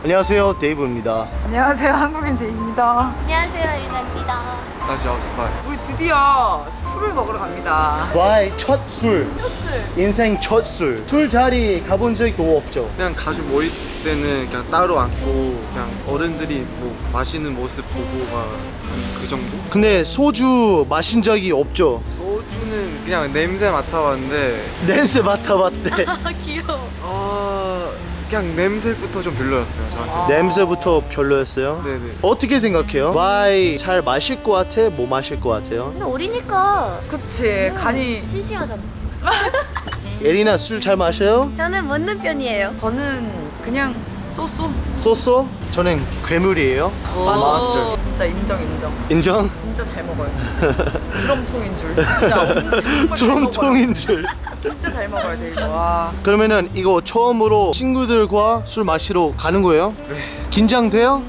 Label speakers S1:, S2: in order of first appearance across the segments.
S1: 안녕하세요, 데이브입니다.
S2: 안녕하세요, 한국인 제이입니다.
S3: 안녕하세요, 리나입니다.
S4: 다시 아웃스파이.
S2: 우리 드디어 술을 먹으러 갑니다.
S1: 와의 첫 술. 인생 첫 술. 술자리 가본 적도 없죠?
S4: 그냥 가족 모일 때는 그냥 따로 앉고 그냥 어른들이 뭐 마시는 모습 보고 막 그 정도?
S1: 근데 소주 마신 적이 없죠?
S4: 소주는 그냥 냄새 맡아봤는데
S1: 냄새 맡아봤대.
S3: 아, 귀여워.
S4: 그냥 냄새부터 좀 별로였어요 저한테.
S1: 냄새부터 별로였어요?
S4: 네네.
S1: 어떻게 생각해요? 와이 잘 마실 것 같아? 못 마실 것 같아요?
S3: 근데 어리니까
S2: 그치, 간이.
S3: 싱싱하잖아.
S1: 에리나 술 잘 마셔요?
S3: 저는 먹는 편이에요.
S2: 저는 그냥 쏘쏘.
S1: 쏘쏘? 저는 괴물이에요. 마스터.
S2: 진짜 인정.
S1: 인정?
S2: 진짜 잘 먹어요, 진짜. 드럼통인 줄. 진짜 엄청 잘 먹어요.
S1: 드럼통인 줄.
S2: 진짜 잘 먹어야 돼, 이거. 와.
S1: 그러면은 이거 처음으로 친구들과 술 마시러 가는 거예요?
S4: 네.
S1: 긴장돼요?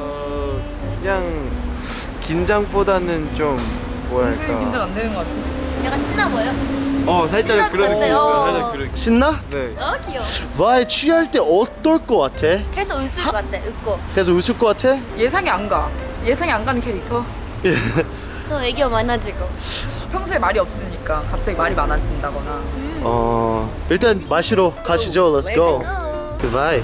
S4: 그냥 긴장보다는 좀 뭐랄까.
S2: 긴장 안 되는 것 같은데.
S3: 약간 신나 보여?
S4: 살짝
S3: 신날
S4: 그런
S3: 것
S4: 느낌
S3: 같아요.
S4: 있어요. 살짝 그런.
S1: 신나?
S4: 네.
S3: 귀여워.
S1: 와이 취할 때 어떨 것 같아?
S3: 계속 웃을 것 같아, 웃고.
S1: 그래서 웃을 것 같아?
S2: 예상이 안 가. 예상이 안 가는 캐릭터.
S3: 또 애교 많아지고.
S2: 평소에 말이 없으니까 갑자기 말이 많아진다거나.
S1: 일단 마시러 가시죠. Let's go. Goodbye.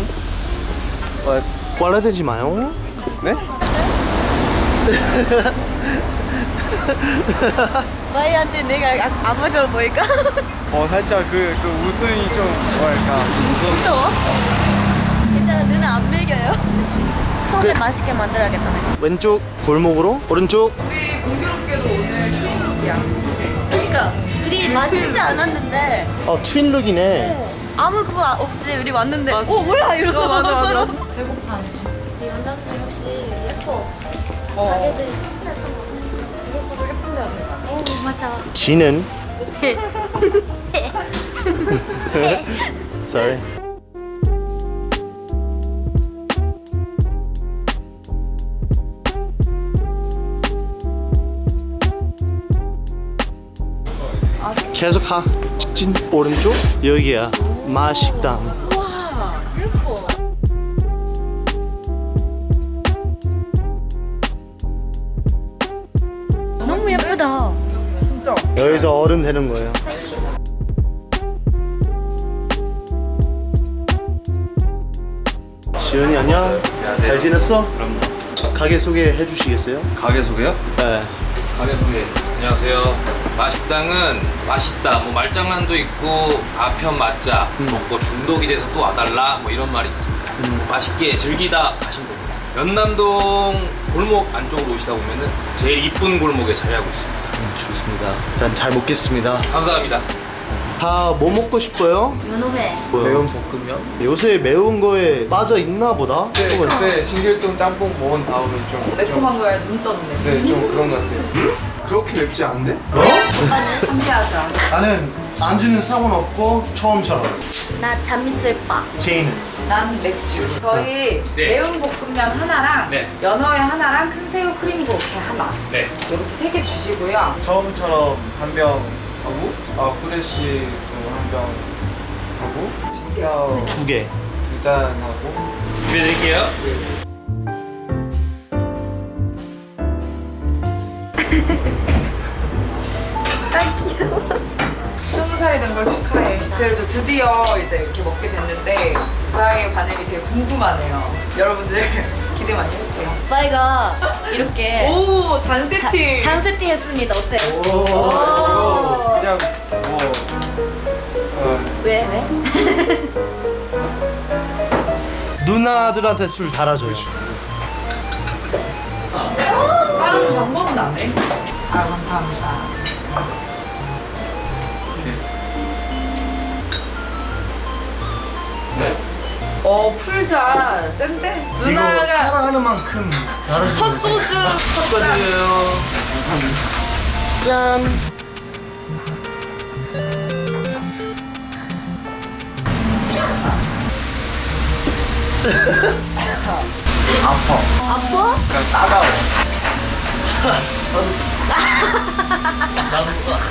S1: 꽐라대지 마요.
S4: 네?
S3: 마이한테 내가 아버지로 보일까?
S4: 살짝 그 웃음이 좀 뭐랄까.
S3: 무서워? 괜찮아, 누나 안 밀겨요. 처음에 맛있게 만들어야겠다.
S1: 왼쪽 골목으로 오른쪽.
S2: 우리 공교롭게도 오늘 흰룩이야.
S3: 그러니까 우리 맞추지 않았는데
S1: 트윈룩이네.
S3: 아무 그거 없이 우리 왔는데 뭐야 이러고
S2: 맞아.
S3: 서로.
S2: 배고파.
S3: 이 연락들 역시 예뻐.
S2: 어.
S3: 가게들 진짜 예쁜 거 같아.
S2: 무조건 예쁜 데가 된다.
S3: 맞아.
S1: 지는. Sorry. 계속 가. 직진 오른쪽. 여기야. 마식당.
S3: 와 예뻐. 너무 예쁘다.
S2: 진짜.
S1: 여기서 어른 되는 거예요. 지은이 안녕. 잘 지냈어?
S5: 그럼
S1: 가게 소개해 주시겠어요?
S5: 가게 소개요?
S1: 네.
S5: 가게 소개. 안녕하세요. 마식당은 맛있다. 뭐 말장난도 있고 아편 맞자. 먹고 중독이 돼서 또 와달라. 뭐 이런 말이 있습니다. 맛있게 즐기다 가시면 됩니다. 연남동 골목 안쪽으로 오시다 보면은 제일 이쁜 골목에 자리하고 있습니다.
S1: 좋습니다. 일단 잘 먹겠습니다.
S5: 감사합니다.
S1: 다 뭐 먹고 싶어요?
S3: 연어회.
S4: 매운 볶음면?
S1: 요새 매운 거에 빠져 있나 보다?
S4: 그때 신길동 짬뽕 먹은 다음에 좀
S2: 매콤한 거에 눈 떴네.
S4: 네, 좀 그런 것 같아요. 그렇게 맵지 않네?
S3: 오빠는?
S2: 함께하자.
S1: 나는 안주는 상관없고 처음처럼.
S3: 나 잠있을빠.
S1: 제이는
S2: 난 맥주. 저희
S5: 네.
S2: 매운 볶음면 하나랑
S5: 네.
S2: 연어회 하나랑 큰 새우 크림 고로케 하나.
S5: 네.
S2: 이렇게 3개 주시고요.
S4: 처음처럼 한 병 하고 프레쉬 한 병 하고 칭겨
S1: 2개.
S4: 2잔 하고
S5: 준비해드릴게요.
S2: 20살이 된 걸 축하해. 그래도 드디어 이제 이렇게 먹게 됐는데 저의 반응이 되게 궁금하네요. 여러분들 기대 많이 해주세요.
S3: 오빠가 이렇게
S2: 오, 잔 세팅.
S3: 잔 세팅했습니다. 어때요?
S4: 이거 그냥 뭐
S3: 왜?
S1: 누나들한테 술 달아줘요.
S2: 다른 방법은 안 해. 아, 감사합니다. 풀자. 센데?
S1: 이거
S2: 누나가
S1: 사랑하는 만큼 달아줘요.
S2: 첫 소주.
S1: 축하드려요. 짠.
S3: 아파?
S4: 그냥 따가워.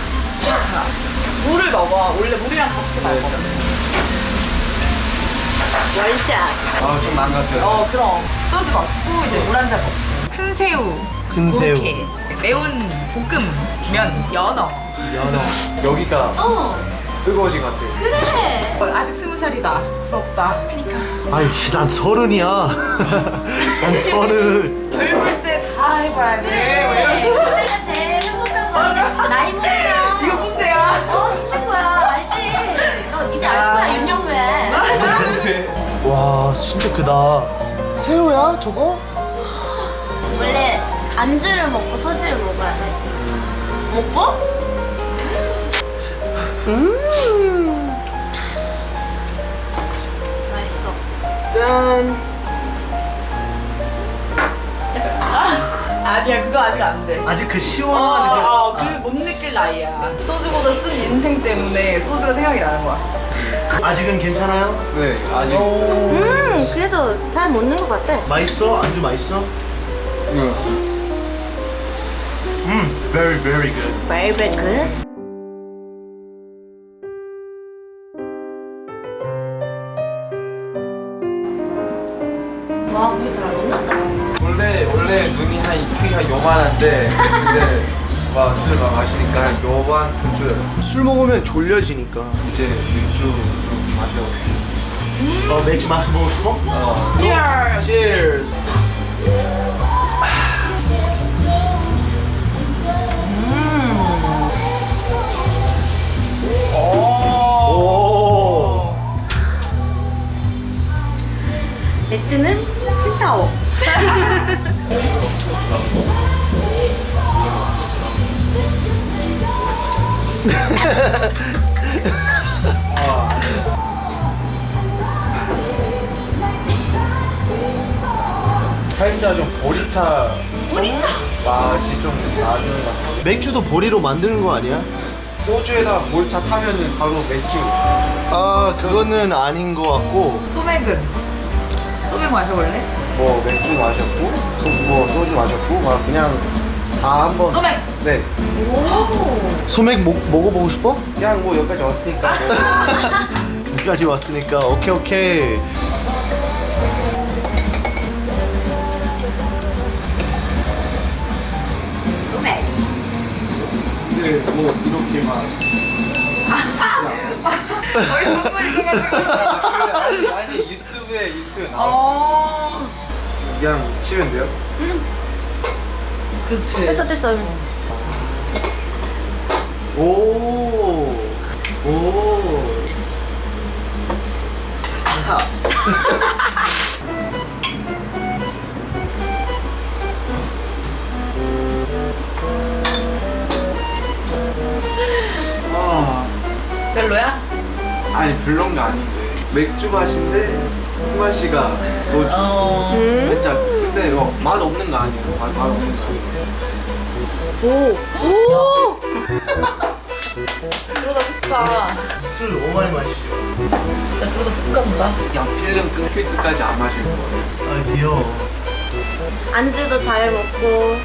S2: 물을 넣어. 원래 물이랑 같이 먹어.
S3: 원샷.
S4: 아, 좀 망가져요.
S2: 그럼 소주 먹고 이제 물 한 잔 먹고 큰 새우
S1: 큰 새우.
S2: 그렇게 매운 볶음면 연어
S4: 여기가 뜨거워진 것 같아요.
S3: 그래.
S2: 아직 20살이다 부럽다 그니까
S1: 아이 난 30이야. 난 30.
S2: 젊을 때 다 해봐야 돼 뭐 이런
S3: 그래. 그때가 제일 행복한 거지. 나이 먹으면.
S2: 이거 꼰대야
S3: 힘든 거야. 알지? 너 이제 알 거야, 윤영우에.
S1: 와 진짜 크다. 새우야 저거?
S3: 원래 안주를 먹고 소주를 먹어야 돼. 먹고? 맛있어.
S1: 짠.
S2: 아니야 그거 아직 안돼
S1: 아직 그 시원한
S2: 그 못 느낄 나이야 소주보다 쓴 인생 때문에 소주가 생각이 나는 거야
S1: 아직은 괜찮아요?
S4: 네, 아직.
S3: 그래도 잘 먹는 것 같아.
S1: 맛있어? 안주 맛있어? Very very good.
S3: Very good. 와, 그게 잘 먹는다.
S4: 원래 눈이 한 요만한데, 근데 술 마시니까 한 요만큼 줄여졌어.
S1: 술 먹으면 졸려지니까.
S4: 이제 맥주 좀 마셔도 돼.
S1: 맥주 마셔보고 싶어?
S2: Cheers
S1: Cheers. 오.
S3: 맥주는 칭타오.
S4: 살짝 좀 보리차 맛이 좀 나는 것 같아.
S1: 맥주도 보리로 만드는 거 아니야?
S4: 소주에다 몰차 타면은 바로 맥주.
S1: 아 그거는 아닌 거 같고.
S2: 소맥은? 소맥 마셔볼래?
S4: 뭐 맥주 마셨고, 뭐 소주 마셨고, 막 그냥 다 한번.
S2: 소맥!
S4: 네.
S1: 소맥 먹어보고 싶어?
S4: 그냥 뭐 여기까지 왔으니까.
S1: 여기까지 왔으니까 오케이.
S2: 소맥
S4: 근데 뭐 이렇게 막. 아니 유튜브에 나왔어. 그냥 치면 돼요?
S2: 그치
S3: 됐어.
S4: 오.
S2: 별로야?
S4: 아니 별론 거 아닌데 맥주 맛인데 맛이가 소주. 진짜 근데 맛 없는 거 아니에요. 맛 없는 거 아니에요.
S3: 오.
S2: 그러다 훅 가.
S1: 술 너무 많이 마시죠.
S2: 진짜 그러다 훅 간다.
S4: 그냥 필름 끊길 때까지 안 마시는 거예요.
S1: 아 귀여워.
S3: 안주도 잘 먹고.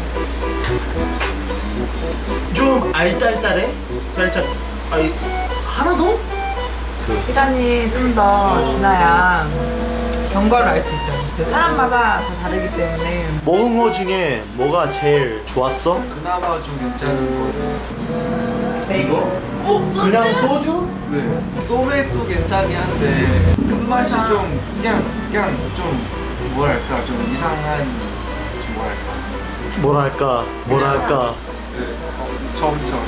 S1: 좀 알딸딸해? 살짝. 아니 하나 더?
S2: 시간이 좀 더 지나야 경과를 알 수 있어요. 사람마다 다 다르기 때문에
S1: 먹은 거 중에 뭐가 제일 좋았어?
S4: 그나마 좀 괜찮은 거.
S1: 이거? 그냥 소주?
S4: 네. 소맥도 괜찮긴 한데 끝맛이 좀 그냥 좀 뭐랄까 좀 이상한 좀
S1: 뭐랄까.
S4: 네. 처음처럼.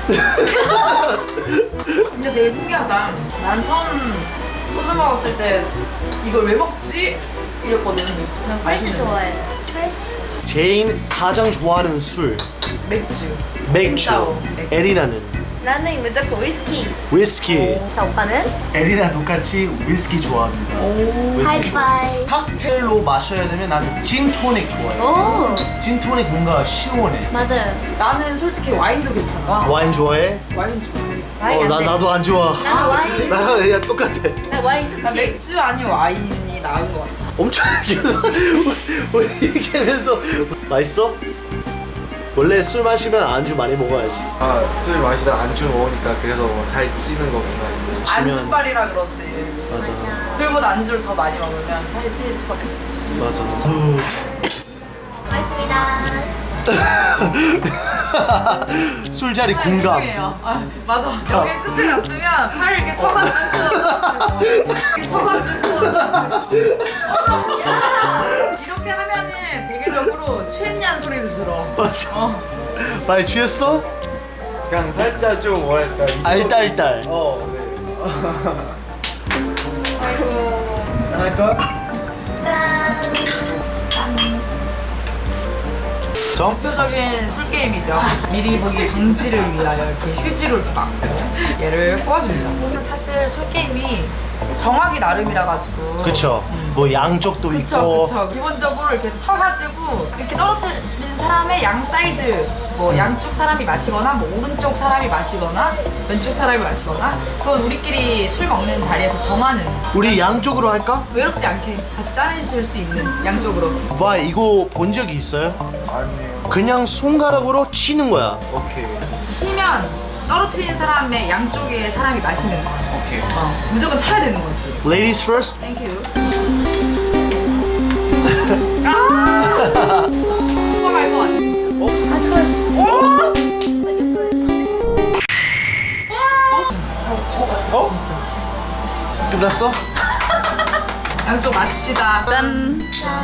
S2: 근데 되게 신기하다. 난 처음 소주 먹었을 때 이걸 왜 먹지? 이랬거든. 그냥
S3: 프레시
S2: 마시는
S3: 좋아해. 프레시.
S1: 제인 가장 좋아하는 술
S2: 맥주.
S1: 맥주.
S2: 칭따오.
S1: 에리나는
S3: 나는 무조건 위스키.
S1: 위스키.
S3: 자, 오빠는?
S1: 에리나 똑같이 위스키 좋아합니다. 위스키
S3: 하이파이.
S1: 칵테일로 마셔야 되면 나는 진토닉 좋아해.
S3: 오.
S1: 진토닉 뭔가 시원해.
S3: 맞아요.
S2: 나는 솔직히 와인도 괜찮아.
S1: 와인 좋아해?
S2: 와인 좋아해.
S1: 나도 안 좋아.
S3: 나도 와인.
S1: 나랑 그냥 똑같아.
S3: 나 와인
S2: 나
S3: 습지.
S2: 맥주 아니면 와인이 나은 것 같아.
S1: 엄청 계속 우리 얘기하면서 맛있어? 원래 술 마시면 안주 많이 먹어야지.
S4: 아, 술 마시다 안주 먹으니까 그래서 살 찌는 거구나.
S2: 안주빨이라 그렇지.
S1: 맞아.
S2: 술보다 안주를 더 많이 먹으면 살이 찔 수밖에 없어.
S1: 맞아.
S3: 고맙습니다.
S1: 술자리 공감.
S2: 죄송해요. 아, 맞아. 여기 끝에 놔두면 팔을 이렇게 쳐가지고 이렇게 쳐가지고 이렇게 하면은 대개적으로 취했냐는 소리를 들어.
S1: 맞아. 많이 취했어?
S4: 그냥 살짝 좀 뭐랄까.
S1: 알딸딸.
S4: 네.
S2: 아이고.
S1: 하나 할까? 정?
S2: 대표적인 술 게임이죠. 미리 보기 방지를 위하여 이렇게 휴지로 이렇게 막고 얘를 뽑아줍니다. 사실 술 게임이 정하기 나름이라 가지고.
S1: 그쵸. 뭐 양쪽도
S2: 그쵸,
S1: 있고.
S2: 그쵸. 기본적으로 이렇게 쳐가지고 이렇게 떨어뜨린 사람의 양 사이드, 뭐 양쪽 사람이 마시거나, 뭐 오른쪽 사람이 마시거나, 왼쪽 사람이 마시거나, 그건 우리끼리 술 먹는 자리에서 정하는.
S1: 우리 양쪽으로 할까?
S2: 외롭지 않게 같이 짜내실 수 있는 양쪽으로.
S1: 와, 이거 본 적이 있어요?
S4: 아니에요.
S1: 그냥 손가락으로 치는 거야.
S4: 오케이.
S2: 치면 떨어뜨리는 사람의 양쪽에 사람이 마시는 거야.
S4: 오케이.
S2: 무조건 쳐야 되는 거지.
S1: Ladies first.
S2: 땡큐. 아! 오빠가 이거 아니야 진짜.
S3: 아, 저요.
S1: 끝났어?
S2: 양쪽 마십시다. 짠.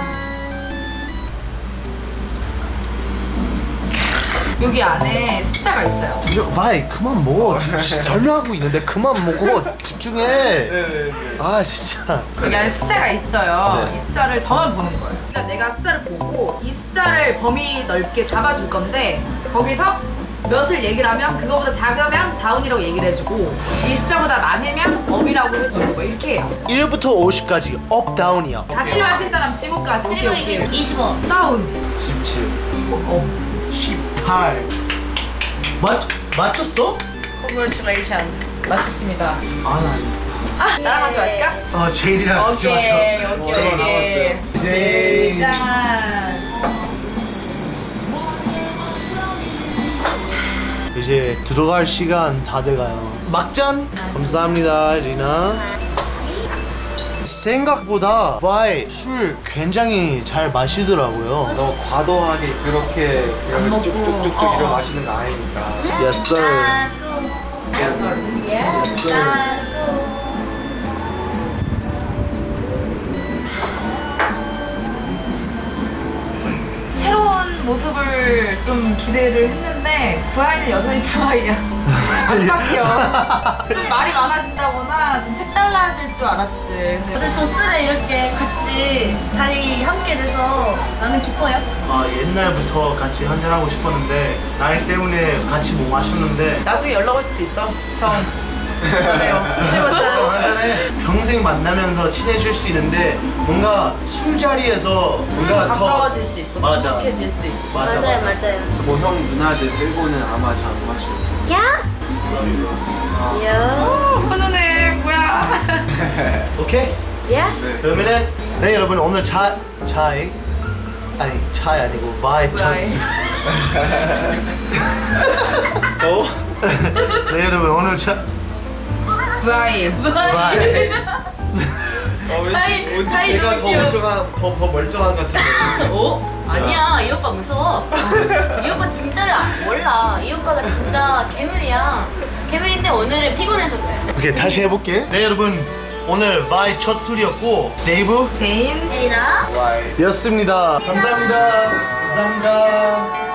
S2: 여기 안에 숫자가 있어요.
S1: 와이 그만 먹어. 설명하고 있는데 그만 먹어. 집중해.
S4: 네네네.
S1: 아 진짜.
S2: 여기 안에 숫자가 있어요.
S1: 네.
S2: 이 숫자를 저만 보는 거예요. 그러니까 내가 숫자를 보고 이 숫자를 범위 넓게 잡아줄 건데 거기서 몇을 얘기를 하면 그거보다 작으면 다운이라고 얘기를 해주고 이 숫자보다 많으면 업이라고 해주고 뭐 이렇게 해요.
S1: 1부터 50까지 업 다운이야.
S2: 같이 마실 사람 지목까지. 오케이
S3: 그리고 이게
S2: 오케이.
S3: 25.
S2: 다운.
S4: 17.
S2: 업.
S1: 18. 맞췄어?
S2: Congratulations. 마쳤습니다.
S1: 아,
S2: 나랑 같이 마실까?
S1: 나. 제일이랑 같이 마셔.
S2: 오케이
S1: 저거
S2: 오케이.
S1: 제일.
S2: 짠.
S1: 이제 들어갈 시간 다 돼가요. 막잔. 감사합니다, 리나. 생각보다 와이 술 굉장히 잘 마시더라고요.
S4: 너무 과도하게 그렇게
S2: 안
S4: 이렇게
S2: 먹고.
S4: 쭉쭉쭉쭉
S2: 어.
S4: 이러 마시는 거 아니니까.
S1: Yes sir.
S2: 새로운 모습을 좀 기대를 했는데 부하이는 여전히 부하이야. 안 바뀌어. 좀 말이 많아진다거나 좀 색달라질 줄 알았지. 근데
S3: 어제 조스를 이렇게 같이 자리 함께 돼서 나는 기뻐요.
S1: 아, 옛날부터 같이 한잔하고 싶었는데 나이 때문에 같이 못 마셨는데
S2: 나중에 연락 올 수도 있어. 형. 그래요. 해봤자.
S1: 한잔해. 평생 만나면서 친해질 수 있는데 뭔가 술자리에서 뭔가 더
S2: 가까워질 수 있고
S1: 맞아.
S2: 똑똑해질 수 있고.
S1: 맞아.
S3: 맞아요.
S4: 뭐 형 누나들 빼고는 아마 잘 안 마셔.
S3: 야? 야?
S2: 훈훈해. 뭐야.
S1: 오케이?
S3: 야?
S4: 네.
S1: 그러면은 네 여러분 오늘 차이 아니고 바이
S2: 바이.
S1: 찬스. 어? 네 여러분 오늘
S2: 부하이.
S1: 바이.
S4: 왠지
S3: 사이
S4: 제가
S3: 너무
S4: 더
S3: 귀여워.
S4: 멀쩡한 것 같은데.
S3: 어? 아니야, 이 오빠 무서워. 이 오빠 진짜를 몰라. 이 오빠가 진짜 괴물이야. 괴물인데 오늘은 피곤해서 그래.
S1: 오케이 다시 해볼게. 네 여러분 오늘 바이 첫 술이었고 데이브
S2: 제인.
S3: 혜리나?
S4: 와이.
S1: 였습니다. 감사합니다. 감사합니다.